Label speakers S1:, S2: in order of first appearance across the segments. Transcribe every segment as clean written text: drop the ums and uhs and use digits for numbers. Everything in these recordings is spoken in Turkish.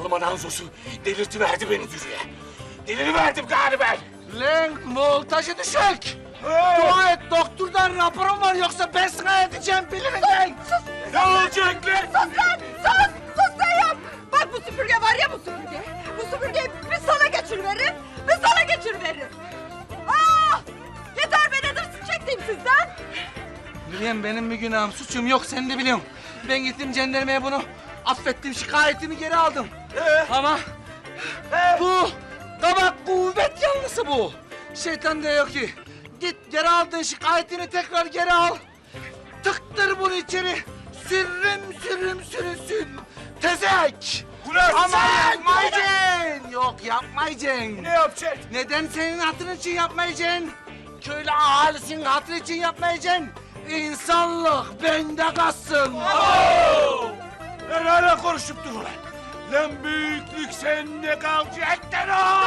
S1: Zavallı Nanzosu delirtiverdi beni Dürüye. Deliriverdim galiba ben.
S2: Lan voltajı düşük. Dua et, doktordan raporum var, yoksa ben sana edeceğim bilirim lan.
S1: Ne olacak lan?
S3: Sus lan! Sus! Sus dayım! Bak bu süpürge var ya bu süpürge. Bu süpürgeyi bir sana geçiriveririm, bir sana geçiriveririm. Ah! Yeter be nedir çektiğim sizden?
S2: Biliyorum benim bir günahım, suçum yok, sen de biliyorsun. Ben gittim jandarmaya bunu affettim, şikayetimi geri aldım. Ama bu kabak kuvvet yanlısı bu. Şeytan diyor ki, git geri aldığın şikayetini tekrar geri al. Tıktır bunu içeri, sürünsün. Tezek.
S1: Ulan
S2: Ama
S1: sen!
S2: yapmayacaksın. Yok yapmayacaksın.
S1: Ne yapacaksın?
S2: Neden senin hatırın için yapmayacaksın? Köylü ahalisinin hatırı için yapmayacaksın. İnsanlık bende kalsın.
S1: Lan hala konuşup dur ulan. Lan büyüklük sende kalacak lan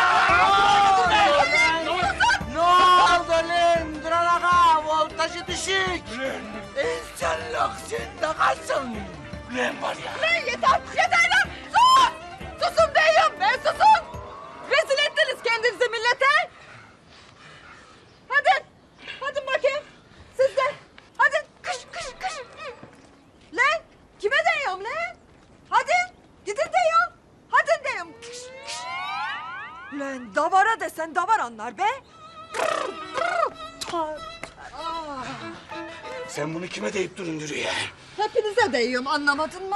S2: Ne oldu lan? Duran ağa, voltajı düşük. İnsanlık sende kalsın.
S1: Lan var ya.
S3: Lan yeter lan! Sus! Susun dayım, ben susun! Rezil ettiniz kendinizi millete! Hadi bakayım, siz de. Hadi, kış. Lan, kime diyorum lan? Hadi, gidin diyorum. Hadi diyorum. Lan davara desen davar anlar be.
S1: Sen bunu kime deyip durun Dürüye?
S3: Hepinize değiyorum, anlamadın mı?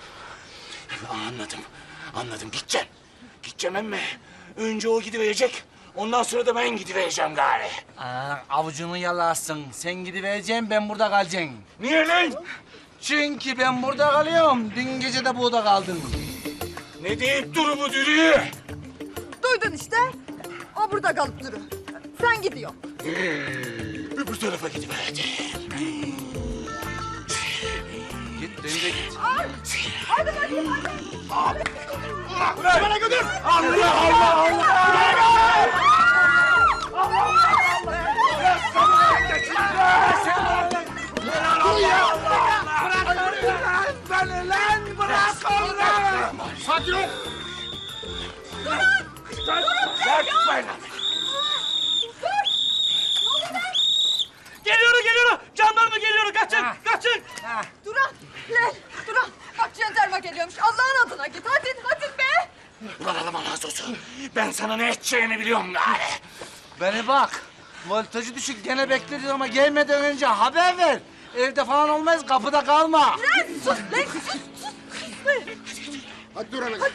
S1: Anladım. Gideceğim emme. Önce o gidiverecek. Ondan sonra da ben gidivereceğim gari.
S2: Avucunu yalarsın. Sen gidivereceksin, ben burada kalacağım.
S1: Niye lan?
S2: Çünkü ben burada kalıyorum. Dün gece de burada kaldın.
S1: Ne deyip duru bu Dürüye?
S3: Duydun işte. O burada kalıp durur. Sen gidiyorsun.
S1: Öbür tarafa gidiverdi.
S2: Git, dön de git.
S3: Hadi bakayım, hadi.
S1: Bana götür! Allah!
S2: Beni lan, bırak onu!
S1: Sakin ol! Yapmayın!
S2: Geliyor! Jandarma geliyor, kaçın!
S3: Duran, Duran. Bak jandarma geliyormuş. Allah'ın adına git. Hadi be.
S1: Ulan Alman Azosu, ben sana ne edeceğini biliyorum gari.
S2: Beni bak, voltajı düşük gene bekleriz ama gelmeden önce haber ver. Evde falan olmayız, kapıda kalma.
S3: Lan sus.
S4: Hadi dur ana.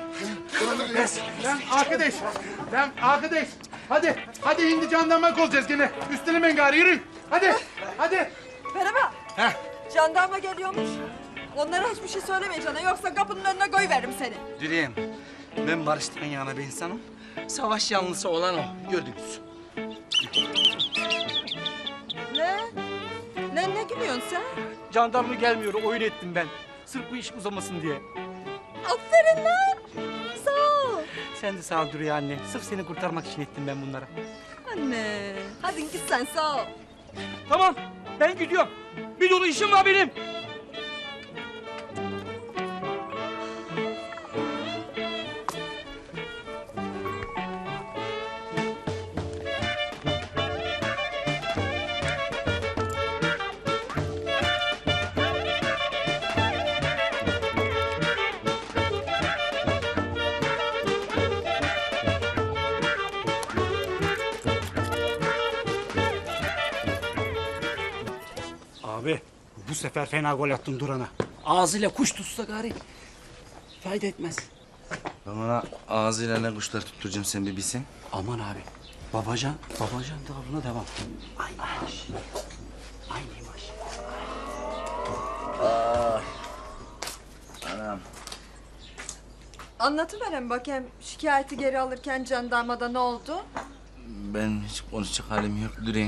S5: Lan arkadaş. Hadi hindi jandarma olacağız gene. Üstelemeyin gari, yürü. Hadi.
S3: Merhaba. Jandarma geliyormuş. Onlara hiçbir şey söylemeyeceksin. Yoksa kapının önüne koyuveririm seni.
S2: Dürüyem, ben barıştan yana bir insanım. Savaş yanlısı olan o, gördünüz.
S3: Ne gülüyorsun sen?
S6: Jandarma gelmiyor, oyun ettim ben. Sırf bu iş uzamasın diye.
S3: Aferin lan. Sağ ol.
S6: Sen de sağ ol Dürüye anne. Sırf seni kurtarmak için ettim ben bunlara.
S3: Anne. Hadi git sen sağ ol.
S6: Tamam, ben gidiyorum. Bir dolu işim var benim. Abi, bu sefer fena gol attın Duran'a. Ağzıyla kuş tutsa gari. Fayda etmez.
S7: Ben ona ağzıyla ne kuşlar tutturacağım sen bir bilsen.
S6: Aman abi. Babacan tavrına devam. Aynıymış.
S7: Anam.
S3: Anlatıveren bakayım şikayeti geri alırken jandarmada ne oldu?
S7: Ben hiç konuşacak halim yok Dürüyen.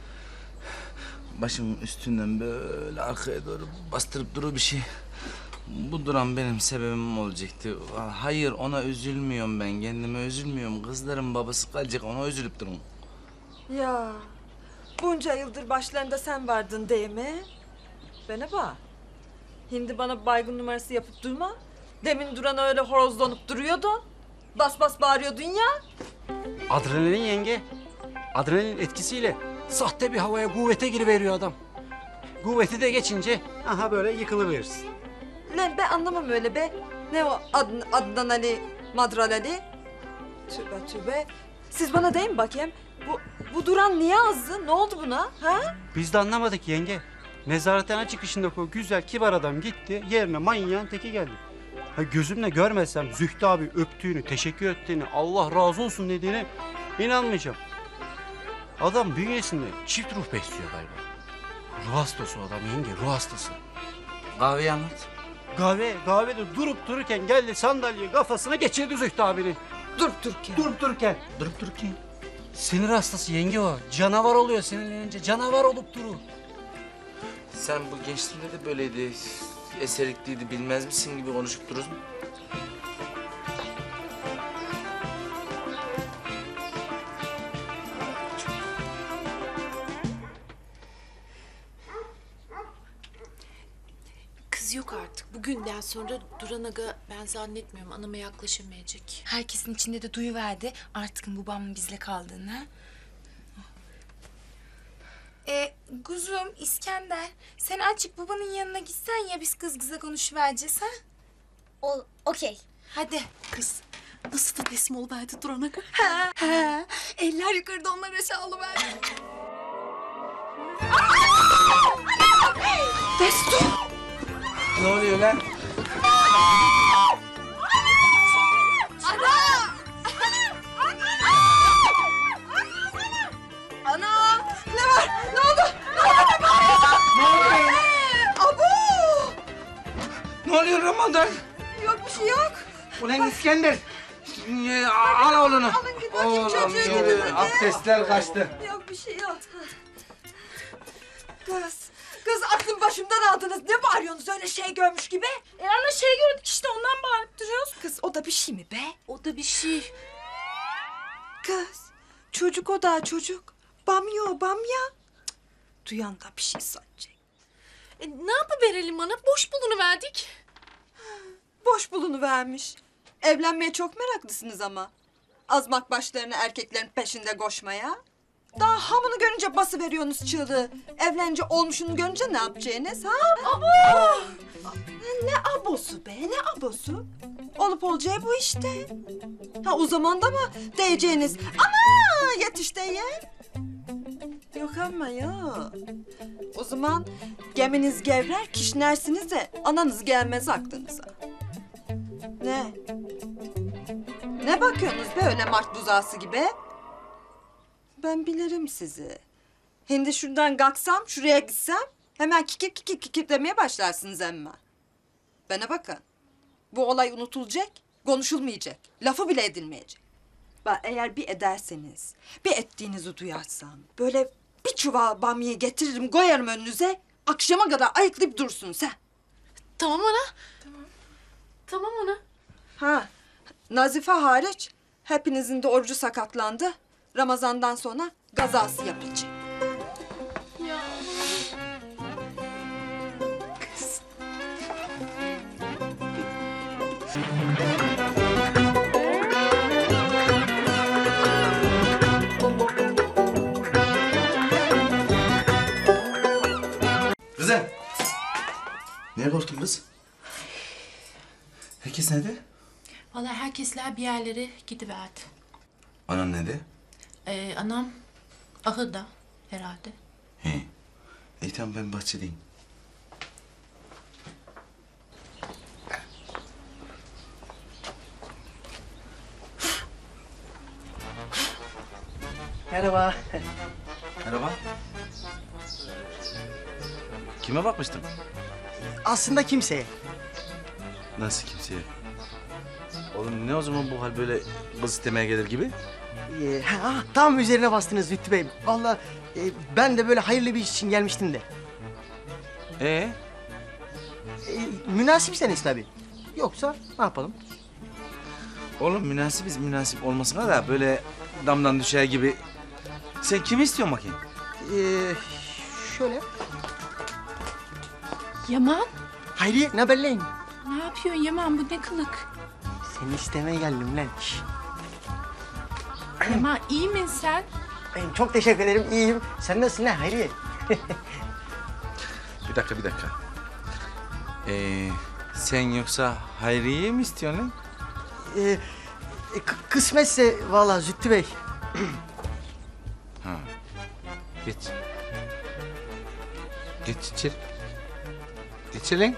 S7: Başım üstünden böyle arkaya doğru bastırıp durur bir şey. Bu duran benim sebebim olacaktı. Hayır, ona üzülmüyorum ben. Kendime üzülmüyorum. Kızların babası kalacak, ona üzülüp durun.
S3: Ya bunca yıldır başlarında sen vardın değil mi? Bana bak. Şimdi bana baygın numarası yapıp durma. Demin Duran öyle horozlanıp duruyordu. Bas bas bağırıyordun ya.
S6: Adrenalin yenge. Adrenalin etkisiyle sahte bir havaya kuvvete giriveriyor adam. Kuvveti de geçince aha böyle yıkılıverirsin.
S3: Lan ben anlamam öyle be. Ne o Adnan Ali, Madral Ali? Tübe tübe. Siz bana deyin bakayım. Bu Duran niye azdı? Ne oldu buna? Ha?
S6: Biz de anlamadık yenge. Nezarethane çıkışındaki o güzel kibar adam gitti. Yerine manyağın teki geldi. Ha, gözümle görmesem Zühtü abi öptüğünü, teşekkür ettiğini, Allah razı olsun dediğine inanmayacağım. Adam bünyesinde çift ruh besliyor galiba. Ruh hastası o adam yenge, ruh hastası.
S7: Kahveyi anlat.
S6: Kahvede durup dururken geldi sandalyeyi kafasına geçirdi Zühtü abinin.
S3: Durup dururken.
S6: Durup dururken.
S7: Durup dururken.
S6: Sinir hastası yenge o. Canavar oluyor sinirlenince. Canavar olup durur.
S7: Sen bu gençliğinde de böyleydi. Eserikliydi, bilmez misin gibi konuşup durursun.
S4: Kız yok artık. Bugünden sonra Duran Aga ben zannetmiyorum anama yaklaşamayacak.
S8: Herkesin içinde de duyuverdi artık babamın bizle kaldığını. Ha? Kuzum İskender, sen açık babanın yanına gitsen ya biz kız kıza konuşuvereceğiz ha?
S9: Okey.
S8: Hadi.
S4: Kız nasıl da teslim oluverdi Duran Aga?
S8: Eller yukarıda onlar aşağı alıverdi.
S3: Destur!
S7: Ne oluyor lan?
S3: Ana! Ne var? Ne oldu? Ne oldu? Ne bağırıyorsun?
S7: Ne oluyor?
S3: Abu!
S7: Ne oluyor Ramazan?
S3: Yok bir şey yok.
S7: Ulan İskender. Al oğlunu.
S3: Alın gidin bakayım çocuğu gidin hadi.
S7: Abdestler kaçtı.
S3: Yok bir şey yok. Kız aklım başımdan aldınız. Ne bağırıyorsunuz öyle şey görmüş gibi?
S8: Ana şey gördük işte ondan bağırıp duruyoruz.
S3: Kız o da bir şey mi be?
S4: O da bir şey.
S3: Kız çocuk o da çocuk. Bamya o bamya. Cık, duyan da bir şey sanacak.
S4: Ne yapıverelim ana? Boş bulunuverdik.
S3: Boş bulunuvermiş. Evlenmeye çok meraklısınız ama. Azmak başlarını erkeklerin peşinde koşmaya. Daha hamını görünce basıveriyorsunuz çığlığı. Evlenince olmuşunu görünce ne yapacaksınız ha? Abo! Ne abosu be ne abosu? Olup olacağı bu işte. Ha o zaman da mı diyeceğiniz? Ama yetiş diye. Yok ama ya. O zaman geminiz gevrer kişnersiniz de ananız gelmez aklınıza. Ne? Ne bakıyorsunuz be öyle mart buzağısı gibi? Ben bilirim sizi. Şimdi şuradan kalksam, şuraya gitsem hemen kikir kikir kikir demeye başlarsınız emma. Bana bakın. Bu olay unutulacak, konuşulmayacak. Lafı bile edilmeyecek. Bak eğer bir ederseniz, bir ettiğinizi duyarsam... ...böyle bir çuval bamyayı getiririm, koyarım önünüze... ...akşama kadar ayıklayıp dursunuz ha.
S4: Tamam ana. Tamam ana.
S3: Ha, Nazife hariç hepinizin de orucu sakatlandı. Ramazan'dan sonra gazası yapılacak.
S4: Ya.
S7: Kızım. Niye korktun kız? Herkes nerede?
S4: Vallahi herkesler bir yerlere gidiverdi.
S7: Anan nerede?
S4: Anam ahırda herhalde.
S7: He. İyi tamam ben bahçedeyim.
S2: Merhaba.
S7: Merhaba. Kime bakmıştın?
S2: Aslında kimseye.
S7: Nasıl kimseye? Oğlum ne o zaman bu hal böyle kız istemeye gelir gibi?
S2: Tam üzerine bastınız Lütfü Bey. Vallahi ben de böyle hayırlı bir iş için gelmiştim de. Münasipseniz tabii. Yoksa ne yapalım?
S7: Oğlum münasibiz münasip olmasına da böyle damdan düşer gibi. Sen kimi istiyorsun bakayım?
S2: Şöyle.
S4: Yaman.
S2: Hayriye ne haberleyin?
S4: Ne yapıyorsun Yaman, bu ne kılık?
S10: Seni istemeye geldim lan.
S4: Yaman iyi misin sen?
S10: Ben çok teşekkür ederim, iyiyim. Sen nasılsın lan Hayriye?
S7: Bir dakika. Sen yoksa Hayriye'yi mi istiyorsun lan?
S10: Kısmetse vallahi Zühtü Bey.
S7: Geç. Geç içeri. Geç lan.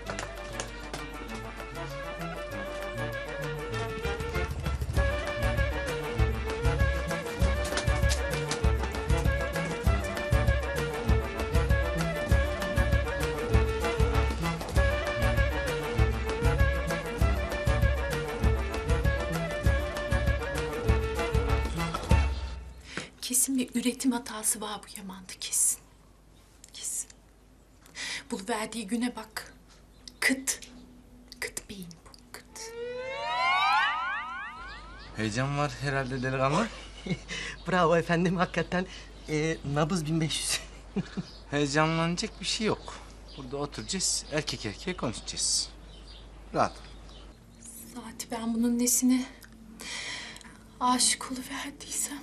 S4: Kesin bir üretim hatası var bu Yaman'da, kesin. Kesin. Buluverdiği güne bak. Kıt beyin bu, kıt.
S7: Heyecan var herhalde delikanlı.
S10: Bravo efendim, hakikaten nabız 1500.
S7: Heyecanlanacak bir şey yok. Burada oturacağız, erkek erkeğe konuşacağız. Rahat ol.
S4: Saati ben bunun nesine aşık oluverdiysem.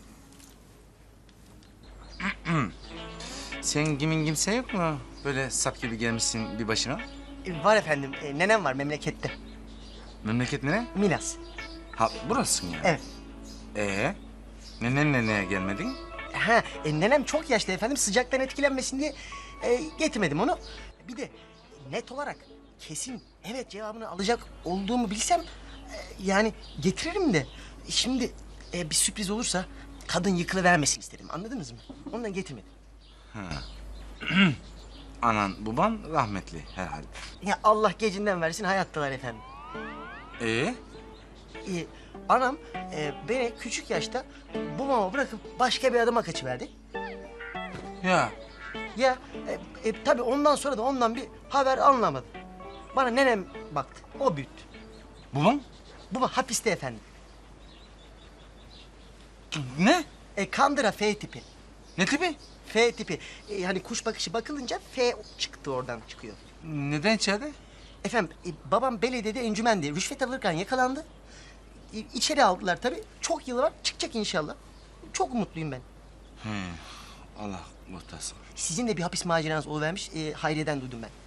S7: Sen kimin kimse yok mu? Böyle sap gibi gelmişsin bir başına.
S10: Var efendim, nenem var memlekette.
S7: Memleket nere?
S10: Milas.
S7: Ha burası mı yani?
S10: Evet.
S7: Neneye gelmedin?
S10: Ha, nenem çok yaşlı efendim, sıcaktan etkilenmesin diye getirmedim onu. Bir de net olarak kesin evet cevabını alacak olduğumu bilsem yani getiririm de. Şimdi bir sürpriz olursa kadın yıkılıvermesin istedim, anladınız mı? Ondan getirmedim.
S7: Anan baban rahmetli herhalde.
S10: Ya Allah gecinden versin, hayattalar efendim. Anam beni küçük yaşta babama bırakıp başka bir adama kaçıverdi.
S7: Ya
S10: Ya tabii ondan sonra da ondan bir haber alınamadı. Bana nenem baktı, o büyüttü.
S7: baban?
S10: Baba hapiste efendim.
S7: Ne?
S10: Kandıra F tipi.
S7: Ne tipi?
S10: F tipi. Hani kuş bakışı bakılınca F çıktı, oradan çıkıyor.
S7: Neden içeride?
S10: Efendim babam belediyede encümendi. Rüşvet alırken yakalandı. İçeri aldılar tabii. Çok yılı var, çıkacak inşallah. Çok umutluyum ben.
S7: Allah muhtasın.
S10: Sizin de bir hapis maceranız oluvermiş. Hayriye'den duydum ben.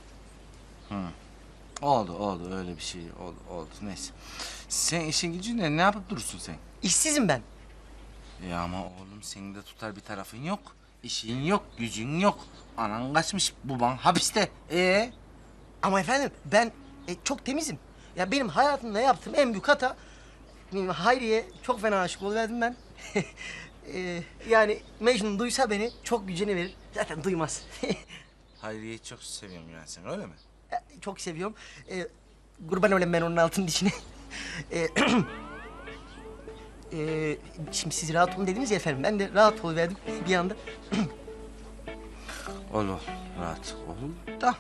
S7: Oldu öyle bir şey oldu neyse. Sen işin gücün ne yapıp durursun sen?
S10: İşsizim ben.
S7: Ya ama oğlum senin de tutar bir tarafın yok. İşin yok, gücün yok. Anan kaçmış, baban hapiste.
S10: Ama efendim ben çok temizim. Ya benim hayatımda yaptığım en büyük hata... Hayriye çok fena aşık oluverdim ben. Yani Mecnun duysa beni çok gücünü verir. Zaten duymaz.
S7: Hayriye'yi çok seviyorum yani sen öyle mi?
S10: Çok seviyorum. Kurban olayım ben onun altın dişine. Şimdi siz rahat olun dediniz ya efendim. Ben de rahat oluverdim bir anda.
S7: Ol rahat ol da.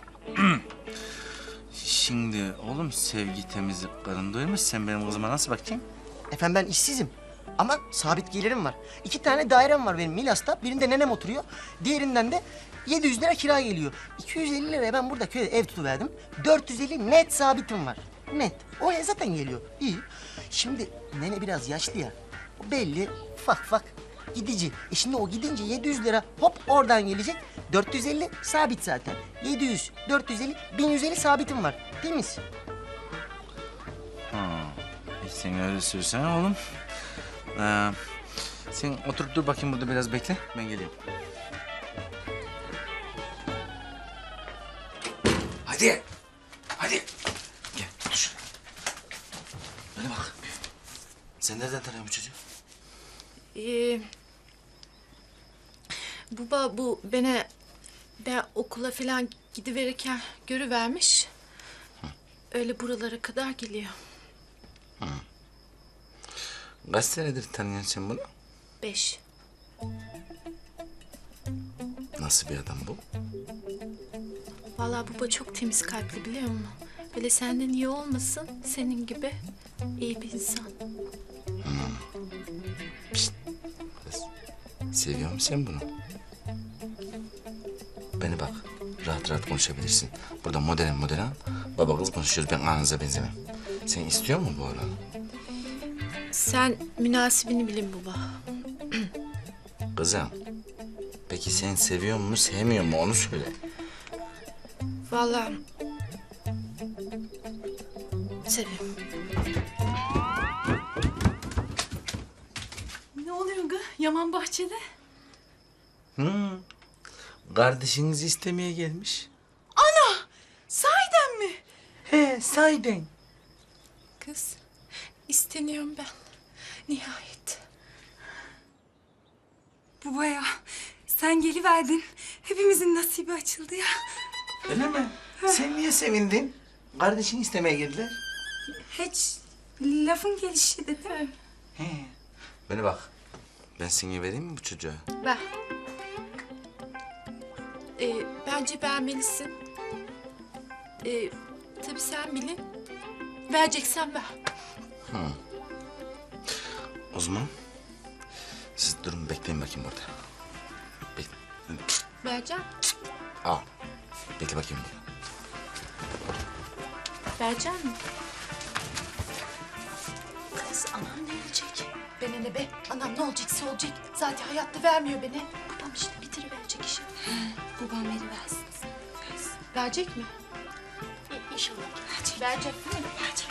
S7: Şimdi oğlum sevgi temizlik karın doymuş. Sen benim kızıma nasıl bakacaksın?
S10: Efendim ben işsizim. Ama sabit gelirim var. 2 tane dairem var benim Milas'ta. Birinde nenem oturuyor. Diğerinden de 700 lira kira geliyor. 250 liraya ben burada köyde ev tutuverdim. 450 net sabitim var. Net. Oraya zaten geliyor. İyi. Şimdi nene biraz yaşlı ya. O belli. Ufak gidici. Şimdi o gidince 700 lira hop oradan gelecek. 450 sabit zaten. 700, 450, 1150 sabitim var. Temiz.
S7: Sen öyle söylesen oğlum. Sen oturup dur bakayım burada biraz bekle. Ben geleyim. Hadi. Gel otur şuraya. Bana bak. Sen nereden tanıyorsun bu çocuğu?
S4: Baba bu ben okula falan gidiverirken görüvermiş. Öyle buralara kadar geliyor.
S7: Kaç senedir tanıyorsun sen bunu?
S4: 5.
S7: Nasıl bir adam bu?
S4: Vallahi baba çok temiz kalpli, biliyor musun? Böyle senden iyi olmasın, senin gibi iyi bir insan.
S7: Kız, seviyor musun sen bunu? Bana bak, Rahat rahat konuşabilirsin. Burada modern, baba kız konuşuyoruz. Ben ananıza benzemem. Sen istiyor musun bu oğlanı?
S4: Sen münasibini bilin baba.
S7: Kızım, peki sen seviyor mu, sevmiyor mu onu söyle.
S4: Vallahi seviyorum.
S8: Ne oluyor gı? Yaman bahçede.
S7: Kardeşinizi istemeye gelmiş.
S8: Sahiden mi?
S2: He sahiden.
S4: Kız, isteniyorum ben. Nihayet.
S8: Baba ya, sen geliverdin. Hepimizin nasibi açıldı ya.
S2: Öyle mi? Sen niye sevindin? Kardeşini istemeye geldiler.
S8: Hiç lafın gelişi dedim.
S2: He.
S7: Bana bak, ben seni vereyim mi bu çocuğa?
S4: Ben. Bence beğenmelisin. Tabii sen bilin. Vereceksen ver.
S7: O zaman siz durun bekleyin bakayım burada. Bekle.
S4: Vereceğim.
S7: Al. Bekle bakayım burada.
S4: Verecek mi? Kız anam ne olacak? Bana ne be? Anam ne olacaksa olacak. Zaten hayatta vermiyor beni. Babam işte bitiriverecek işi.
S8: Babam veriversin.
S4: Verecek mi? İnşallah. Verecek değil mi? Verecek.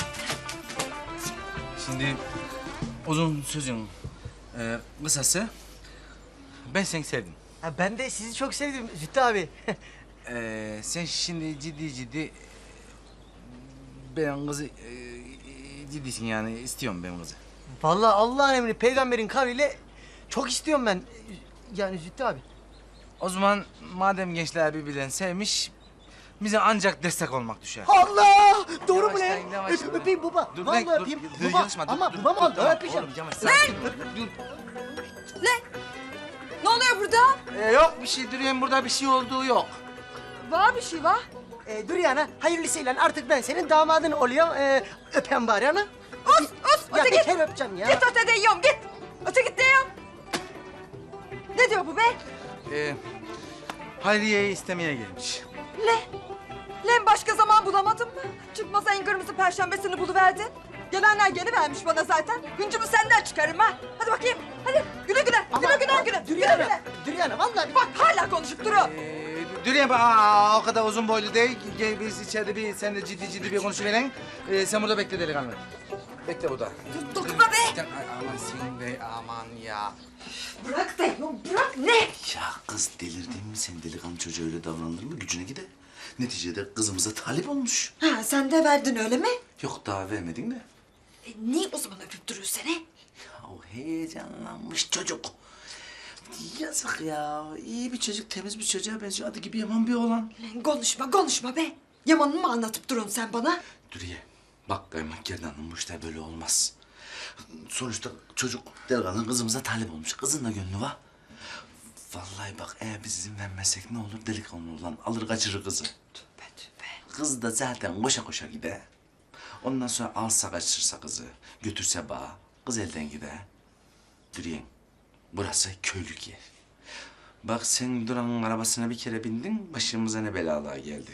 S7: Şimdi uzun sözün kısası ben seni sevdim.
S10: Ha, ben de sizi çok sevdim Zühtü abi.
S7: Sen şimdi ciddi ben kızı ciddisin yani istiyorum ben kızı.
S10: Vallahi Allah'ın emri peygamberin kavliyle çok istiyorum ben. Yani Zühtü abi.
S7: O zaman madem gençler birbirlerini sevmiş bize ancak destek olmak düşer.
S10: Allah! Doğru mu
S7: Yavaş
S10: lan?
S7: lan, yavaş lan.
S10: Öpeyim baba.
S7: Dur,
S10: Vallahi
S7: dur,
S10: öpeyim.
S7: dur,
S10: Baba.
S7: yanaşma, dur,
S10: Ama
S7: dur,
S10: babam
S7: dur,
S10: aldı.
S7: tamam,
S10: Öpeceğim.
S7: oğlum, yavaş, sakin. Dur.
S3: Ne oluyor burada?
S7: Yok bir şey Dürüyen burada bir şey olduğu yok.
S3: Var bir şey var.
S10: Dur yana hayırlısıyla artık ben senin damadın oluyorum. Öpen bari ana.
S3: Us,
S10: Ya
S3: öte
S10: bir
S3: git.
S10: kere öpeceğim ya.
S3: Git öte yiyorum git. Öte git diyorum. Ne diyor bu be?
S7: Hayriye'yi istemeye gelmiş.
S3: Lan başka zaman bulamadın mı? Çıkmaz en kırmızı perşembesini buluverdin. Gelenler gelivermiş bana zaten. Hıncımı senden çıkarım ha. Hadi bakayım. Hadi güle güle. Güle güle güle.
S10: Dur
S3: Güle
S10: yana.
S3: güle.
S10: Dur yana vallahi.
S3: Bak hala konuşup durun.
S7: Dürüyen o kadar uzun boylu değil. Gel biz içeride bir sen de ciddi bir konuşuverin. Sen burada bekle delikanlı. Bekle burada.
S3: Dokunma be.
S7: Ay, aman sen de aman ya.
S3: Bırak diyorum bırak ne?
S7: Ya kız delirdin mi sen delikanlı çocuğa öyle davranılır mı gücüne gider. Neticede kızımıza talip olmuş.
S3: Ha sen de verdin öyle mi?
S7: Yok daha vermedin de.
S3: Niye o zaman öpüp duruyorsun seni?
S7: Ya o heyecanlanmış çocuk. Yazık ya. İyi bir çocuk, temiz bir çocuğa benziyor. Adı gibi yaman bir oğlan.
S3: Lan konuşma be. Yaman'ı mı anlatıp durun sen bana?
S7: Dürüye, bak kaymak gerdanım bu işler böyle olmaz. Sonuçta çocuk delikanlı kızımıza talip olmuş. Kızın da gönlü var. Vallahi bak eğer biz izin vermezsek ne olur delikanlı olan alır kaçırır kızı.
S3: Tövbe.
S7: Kız da zaten koşa koşa gider. Ondan sonra alsa kaçırsa kızı, götürse bağa, kız elden gider. Dürüyen, burası köylük yer. Bak sen Duran'ın arabasına bir kere bindin, başımıza ne belalar geldi.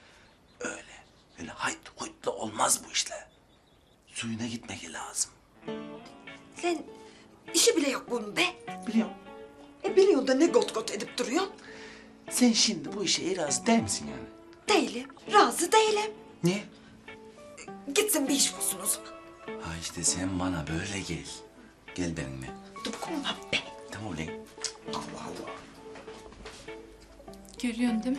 S7: Öyle hayt huytla olmaz bu işler. Suyuna gitmek lazım.
S3: Lan işi bile yok bunun be.
S7: Biliyorum.
S3: Biliyorsun da ne got got edip duruyorsun?
S7: Sen şimdi bu işe razı değil misin yani?
S3: Değilim. Razı değilim.
S7: Niye?
S3: Gitsin bir iş bulsun o zaman.
S7: Ha işte sen bana böyle gel. Gel benimle.
S3: Dokunma be.
S7: Tamam lan. Allah Allah.
S4: Görüyorsun değil mi?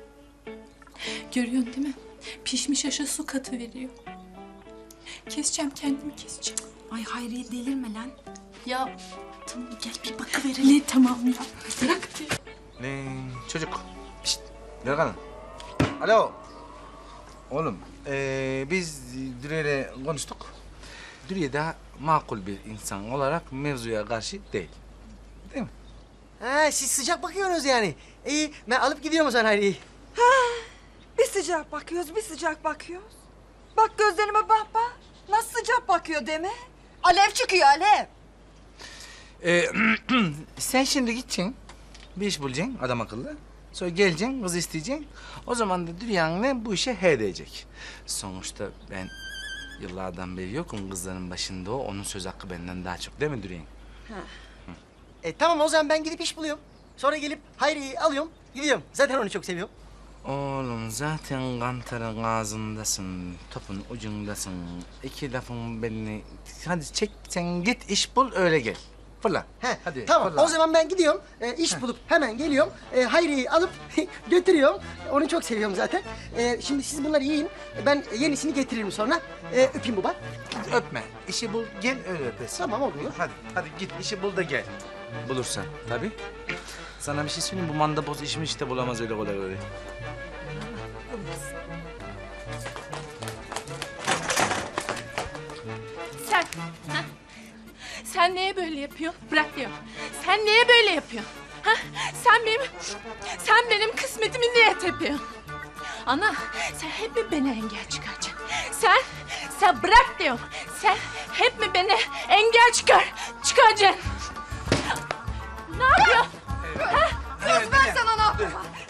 S4: Görüyorsun değil mi? Pişmiş aşa su katı veriyor. Keseceğim kendimi keseceğim.
S8: Ay Hayriye delirme lan.
S4: Ya tamam gel bir bakıverelim. Ne tamam ya. Bırak.
S7: Lan çocuk. Şşt. Delikanlı. Alo. Oğlum biz Dürüye'yle konuştuk. Dürüye daha makul bir insan olarak mevzuya karşı değil. Değil mi?
S10: Ha siz sıcak bakıyorsunuz yani. İyi ben alıp gidiyorum o zaman Hayri'yi.
S3: Bir sıcak bakıyoruz, bir sıcak bakıyoruz. Bak gözlerime bak. Nasıl sıcak bakıyor deme. Alev çıkıyor alev.
S7: Sen şimdi gideceksin. Bir iş bulacaksın adam akıllı. Sonra geleceksin, kız isteyeceksin. O zaman da Dürüyan'la bu işe he diyecek. Sonuçta ben yıllardan beri yokum kızların başında o. Onun söz hakkı benden daha çok değil mi Dürüyan?
S10: Tamam o zaman ben gidip iş buluyorum. Sonra gelip Hayri'yi alıyorum, gidiyorum. Zaten onu çok seviyorum.
S7: Oğlum zaten kantarın ağzındasın, topun ucundasın. İki lafın belini... Hadi çek sen git iş bul öyle gel. Fırla. Hadi
S10: Tamam
S7: fırla.
S10: o zaman ben gidiyorum. İş bulup hemen geliyorum. Hayri'yi alıp götürüyorum. Onu çok seviyorum zaten. Şimdi siz bunları yiyin. Ben yenisini getiririm sonra. Öpeyim baba.
S7: Öpme. İşi bul gel öyle öpesin.
S10: Tamam oluyor.
S7: Hadi git işi bul da gel. Bulursan tabii. Sana bir şey söyleyeyim bu mandapoz işimi işte bulamaz öyle kolay öyle.
S4: Sen, ha? Sen neye böyle yapıyorsun? Bırak diyorum. Sen neye böyle yapıyorsun? Ha? Sen benim kısmetimi niye tepiyorsun? Ana, sen hep mi bana engel çıkaracaksın? Sen bırak diyorum. Sen hep mi bana engel çıkaracaksın? Ne yapıyorsun?
S3: Ben sana ne yapayım?